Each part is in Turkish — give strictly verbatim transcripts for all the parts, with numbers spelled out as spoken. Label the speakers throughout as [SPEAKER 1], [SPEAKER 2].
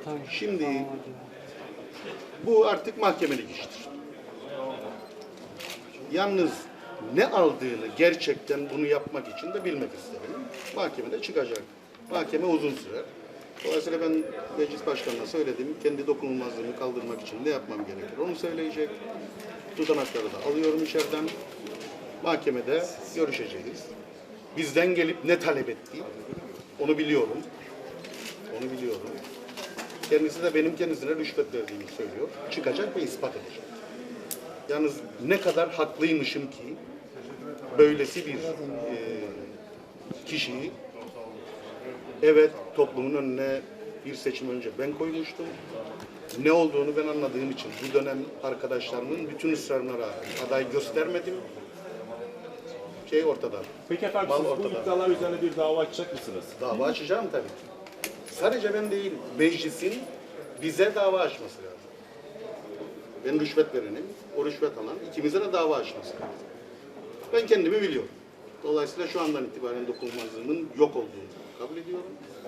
[SPEAKER 1] Şimdi bu artık mahkemelik iştir. Yalnız ne aldığını gerçekten bunu yapmak için de bilmek isterim. Mahkemede çıkacak. Mahkeme uzun sürer. Dolayısıyla ben meclis başkanına söyledim. Kendi dokunulmazlığını kaldırmak için ne yapmam gerekir onu söyleyecek. Tutanakları da alıyorum içeriden. Mahkemede görüşeceğiz. Bizden gelip ne talep etti onu biliyorum. Onu biliyorum. Kendisi de benim kendisine rüşvet verdiğimi söylüyor. Çıkacak ve ispat edecek. Yalnız ne kadar haklıymışım ki böylesi bir e, kişiyi evet toplumun önüne bir seçim önce ben koymuştum. Ne olduğunu ben anladığım için bu dönem arkadaşlarımın bütün ısrarına rağmen aday göstermedim. Şey ortada.
[SPEAKER 2] Peki efendim
[SPEAKER 1] Bal
[SPEAKER 2] siz bu
[SPEAKER 1] ortada.
[SPEAKER 2] iddialar üzerine bir dava açacak mısınız?
[SPEAKER 1] Dava açacağım tabii ki. Sadece ben değil, meclisin bize dava açması lazım. Ben rüşvet verenim, o rüşvet alan ikimize de dava açması lazım. Ben kendimi biliyorum. Dolayısıyla şu andan itibaren dokunulmazlığımın yok olduğunu kabul ediyorum.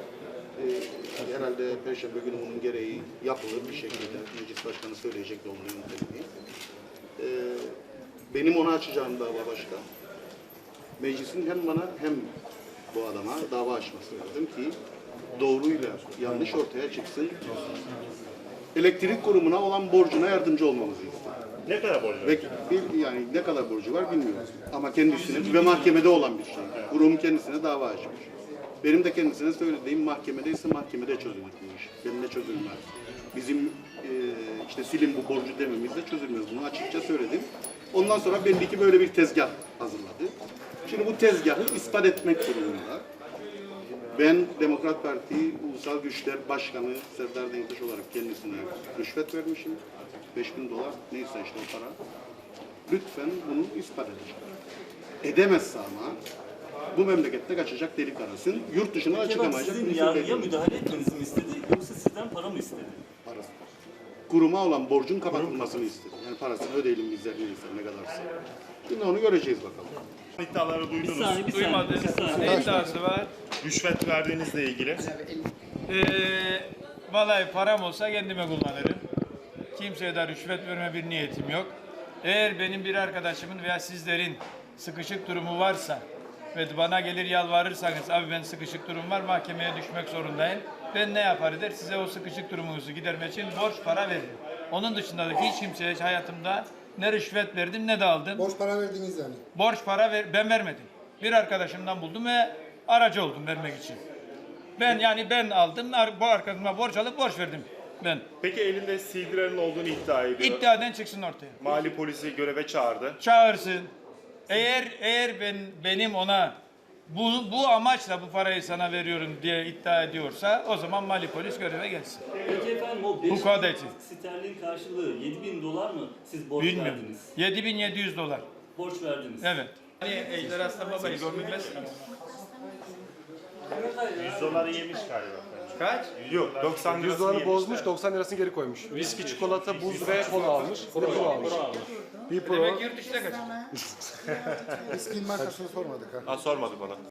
[SPEAKER 1] Ee, herhalde Perşembe günü bunun gereği yapılır bir şekilde. Meclis Başkanı söyleyecek de onun yöntemini. Ee, benim ona açacağım dava başka. Meclisin hem bana hem bu adama dava açması lazım ki doğruyla yanlış ortaya çıksın. Elektrik kurumuna olan borcuna yardımcı olmamızı istiyor.
[SPEAKER 2] Ne kadar borcu var?
[SPEAKER 1] Ve bir, yani ne kadar borcu var bilmiyorum. Ama kendisine ve mahkemede olan bir şey. Kurum kendisine dava açmış. Benim de kendisine söylediğim mahkemedeyse mahkemede çözülür bu iş. Benimle çözülmez. Bizim e, işte silin bu borcu dememizle çözülmez. Bunu açıkça söyledim. Ondan sonra belli ki böyle bir tezgah hazırladı. Şimdi bu tezgahı ispat etmek durumunda. Ben Demokrat Parti Ulusal Güçler Başkanı Serdar Denktaş olarak kendisine rüşvet vermişim. beş bin dolar neyse işte o para. Lütfen bunu ispat edecek. Edemezse ama bu memlekette kaçacak delik arasın. Yurt dışına da çıkamayacak.
[SPEAKER 3] Sizin yargıya müdahale etmenizi mi istedi yoksa sizden para mı istedi?
[SPEAKER 1] Parası. Kuruma olan borcun kapatılmasını istedi. Yani parasını ödeyelim bizler neyse ne kadarsa. Şimdi onu göreceğiz bakalım.
[SPEAKER 2] İddiaları
[SPEAKER 3] Bir
[SPEAKER 2] duydunuz.
[SPEAKER 3] saniye, bir saniye.
[SPEAKER 4] Duymadım.
[SPEAKER 3] Bir saniye.
[SPEAKER 4] Ne iddiası var?
[SPEAKER 2] Rüşvet verdiğinizle ilgili.
[SPEAKER 4] Ee, vallahi param olsa kendime kullanırım. Kimseye de rüşvet verme bir niyetim yok. Eğer benim bir arkadaşımın veya sizlerin sıkışık durumu varsa ve bana gelir yalvarırsanız abi ben sıkışık durum var mahkemeye düşmek zorundayım. Ben ne yapar der size o sıkışık durumunuzu gidermek için borç para veririm. Onun dışında da hiç kimseye hayatımda ne rüşvet verdim ne de aldım.
[SPEAKER 5] Borç para verdiniz yani.
[SPEAKER 4] Borç para ver, ben vermedim. Bir arkadaşımdan buldum ve aracı oldum vermek için. Ben yani ben aldım, bu arkadaşıma borç alıp borç verdim ben.
[SPEAKER 2] Peki elinde C D'lerin olduğunu iddia ediyor.
[SPEAKER 4] İddiadan çıksın ortaya.
[SPEAKER 2] Mali polisi göreve çağırdı.
[SPEAKER 4] Çağırsın. Eğer eğer ben benim ona bu bu amaçla bu parayı sana veriyorum diye iddia ediyorsa o zaman mali polis göreve gelsin.
[SPEAKER 3] Peki efendim o beş
[SPEAKER 4] Bu kadar için.
[SPEAKER 3] sterlin karşılığı yedi bin dolar mı siz borç
[SPEAKER 4] Bilmiyorum.
[SPEAKER 3] verdiniz?
[SPEAKER 4] yedi bin yedi yüz dolar.
[SPEAKER 3] Borç verdiniz.
[SPEAKER 4] Evet. Hani Ejder Aslan Baba'yı görmez.
[SPEAKER 2] yüz doları yemiş galiba.
[SPEAKER 4] Kaç?
[SPEAKER 2] Yok doksan
[SPEAKER 6] yüz
[SPEAKER 2] lirasını
[SPEAKER 6] doları
[SPEAKER 2] yemişler.
[SPEAKER 6] bozmuş, doksan lirasını geri koymuş. Viski, çikolata, buz ve kola almış. Kola pro almış. Bir pro.
[SPEAKER 4] Demek yurt dışına kaçır.
[SPEAKER 5] Eski markasını sormadık ha.
[SPEAKER 2] Ha sormadık ona.